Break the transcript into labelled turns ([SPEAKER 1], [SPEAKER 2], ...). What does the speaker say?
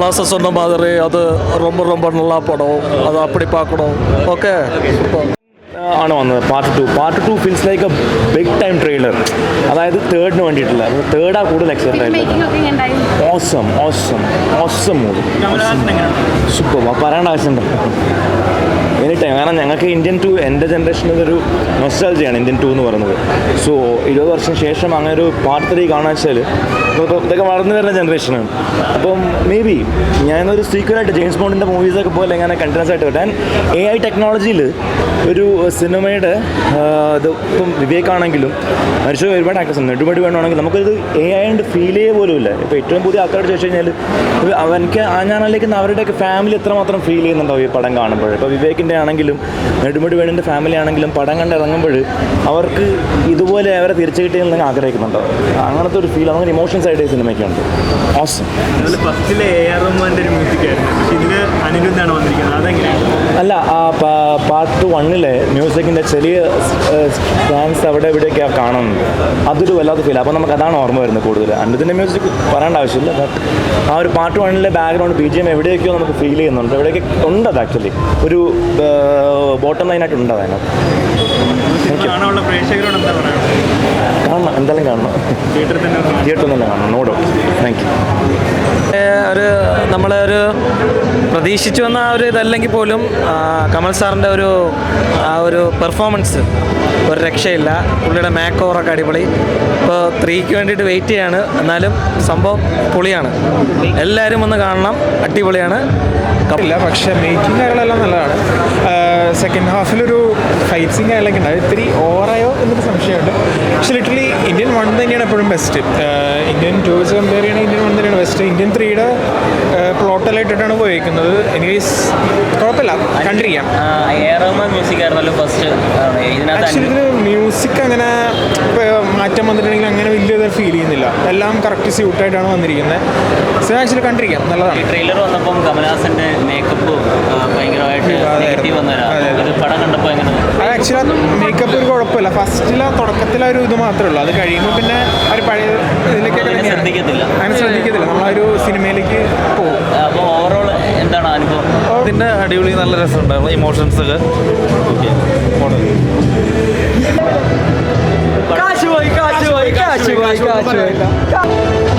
[SPEAKER 1] பழச சொன்ன மாதிரி அது ரொம்ப ரொம்ப நல்லா படம், அது அப்படி பார்க்கணும். ஓகே
[SPEAKER 2] ആണ് വന്നത്. Part two feels like a big time trailer. അതായത് തേർഡിന് വേണ്ടിയിട്ടില്ല, തേർഡാ കൂടുതൽ എക്സൈറ്റഡ് ആയിരുന്നു. Awesome movie, super. പറയേണ്ട ആവശ്യമുണ്ടോ? Any time. കാരണം ഞങ്ങൾക്ക് ഇന്ത്യൻ ടു എൻ്റെ ജനറേഷനിൽ ഒരു നൊസ്റ്റാൾജിയാണ് ഇന്ത്യൻ ടു എന്ന് പറയുന്നത്. സോ 20 വർഷം ശേഷം അങ്ങനെ ഒരു പാർട്ട് 3 കാണാൻ വെച്ചാൽ ഇതൊക്കെ വളർന്നു വരുന്ന ജനറേഷനാണ്. അപ്പം മേ ബി ഞാനൊരു സീക്വലായിട്ട് ജെയിംസ് ബോണ്ടിൻ്റെ മൂവീസൊക്കെ പോലെ ഇങ്ങനെ കണ്ടിന്യൂസ് ആയിട്ട് വരാൻ AI ടെക്നോളജിയിൽ ഒരു സിനിമയുടെ ഇത് ഇപ്പം വിവേകാണെങ്കിലും മരിച്ച ഒരുപാട് ആക്ടേഴ്സ് ഉണ്ട്, നെടുപടി വേണമെങ്കിൽ നമുക്കൊരു AI കൊണ്ട് ഫീൽ ചെയ്യേ പോലും ഇല്ല. ഇപ്പോൾ ഏറ്റവും പുതിയ ആൾക്കാരോട് ചോദിച്ചു കഴിഞ്ഞാൽ എനിക്ക് ഞാനാണെങ്കിൽ അവരുടെയൊക്കെ ഫാമിലി എത്രമാത്രം ഫീൽ ചെയ്യുന്നുണ്ടാവും ഈ പടം കാണുമ്പോൾ. ഇപ്പോൾ വിവേകിൻ്റെ ആണെങ്കിലും നെടുമുടി വേണിൻ്റെ ഫാമിലി ആണെങ്കിലും പടം കണ്ട് ഇറങ്ങുമ്പോൾ അവർക്ക് ഇതുപോലെ അവരെ തിരിച്ചു കിട്ടിയെന്ന് ആഗ്രഹിക്കുന്നുണ്ടോ? അങ്ങനത്തെ ഒരു ഫീൽ, അങ്ങനെ ഇമോഷൻസ് ആയിട്ട് ഈ സിനിമയ്ക്കുണ്ട്. ഓസം.
[SPEAKER 3] ഫസ്റ്റിലെ AR റഹ്മാൻ്റെ ഒരു മ്യൂസിക്കായിരുന്നു, പക്ഷേ ഇതിൽ അനിരുദ്ധാണ് വന്നിരിക്കുന്നത്. അതെങ്ങനെയാണ്?
[SPEAKER 2] അല്ല, ആ പാർട്ട് 1 മ്യൂസിക്കിൻ്റെ ചെറിയ ഡാൻസ് അവിടെ ഇവിടെയൊക്കെ കാണുന്നുണ്ട്. അതൊരു വല്ലാത്ത ഫീൽ. അപ്പോൾ നമുക്ക് അതാണ് ഓർമ്മ വരുന്നത് കൂടുതൽ. അനിരുദ്ധിൻ്റെ മ്യൂസിക് പറയേണ്ട ആവശ്യമില്ല. ബട്ട് ആ ഒരു പാർട്ട് 1 ബാക്ക്ഗ്രൗണ്ട് BGM എവിടെയൊക്കെയോ നമുക്ക് ഫീൽ ചെയ്യുന്നുണ്ട്. എവിടെയൊക്കെ ഉണ്ട് അത് ആക്ച്വലി ഒരു ബോട്ടം ലൈനായിട്ട് ഉണ്ട് അതിനകത്ത്. കാണണം, എന്തായാലും കാണണം. തിയേറ്ററിൽ തന്നെ കാണണം, നോ ഡൗട്ട്. Thank you.
[SPEAKER 1] ഒരു നമ്മളൊരു പ്രതീക്ഷിച്ചു വന്ന ആ ഒരു ഇതല്ലെങ്കിൽ പോലും കമൽ സാറിൻ്റെ ആ ഒരു പെർഫോമൻസ് ഒരു രക്ഷയില്ല. പുള്ളിയുടെ മേക്ക് ഓവറൊക്കെ അടിപൊളി. ഇപ്പോൾ 3ക്ക് വേണ്ടിയിട്ട് വെയിറ്റ് ചെയ്യാണ്, എന്നാലും സംഭവം പൊളിയാണ്. എല്ലാവരും ഒന്ന് കാണണം, അടിപൊളിയാണ്.
[SPEAKER 4] ഇല്ല, പക്ഷേ മേക്കിംഗ് കാര്യങ്ങളെല്ലാം നല്ലതാണ്. സെക്കൻഡ് ഹാഫിലൊരു ഫൈറ്റ് സീൻ കാര്യങ്ങളൊക്കെ ഉണ്ട്, ഇത്തിരി ഓവറായോ എന്നൊരു സംശയമുണ്ട്. പക്ഷേ ലിറ്ററലി ഇന്ത്യൻ 1 തന്നെയാണ് എപ്പോഴും ബെസ്റ്റ്. ഇന്ത്യൻ 2 വെച്ച് കമ്പയർ ചെയ്യണമെങ്കിൽ ഇന്ത്യൻ 1 തന്നെയാണ് ബെസ്റ്റ്. ഇന്ത്യൻ 3യുടെ പ്ലോട്ടെല്ലാം ഇട്ടിട്ടാണ് പോയിരിക്കുന്നത്. എനിവേസ് കുഴപ്പമില്ല, കണ്ടിരിക്കാം. ആക്ച്വലി ഇതിന് മ്യൂസിക് അങ്ങനെ മാറ്റം വന്നിട്ടുണ്ടെങ്കിൽ അങ്ങനെ വലിയ ഫീൽ ചെയ്യുന്നില്ല. എല്ലാം കറക്റ്റ് സ്യൂട്ടായിട്ടാണ് വന്നിരിക്കുന്നത്. സോ ആക്ച്വലി കണ്ടിരിക്കാം, നല്ലതാണ്.
[SPEAKER 5] ട്രെയിലർ വന്നപ്പം കമൽഹാസന്റെ മേക്കപ്പ് ഭയങ്കരമായിട്ട് പടം കണ്ടപ്പോൾ എങ്ങനെ?
[SPEAKER 4] അത് ആക്ച്വലി മേക്കപ്പ് ഒരു കുഴപ്പമില്ല. ഫസ്റ്റിലെ തുടക്കത്തിലെ ഒരു ഇത് മാത്രമേ ഉള്ളൂ. അത് കഴിയുമ്പോൾ പിന്നെ ഒരു പഴയ ഇതിലേക്കൊക്കെ അങ്ങനെ ശ്രദ്ധിക്കത്തില്ല. നമ്മളൊരു സിനിമയിലേക്ക് പോകും.
[SPEAKER 5] അപ്പോൾ ഓവറോൾ എന്താണ് അനുഭവം?
[SPEAKER 1] ഇതിൻ്റെ അടിപൊളി, നല്ല രസമുണ്ടായിരുന്നു. ഇമോഷൻസ് ഒക്കെ
[SPEAKER 5] കാശ് പോയി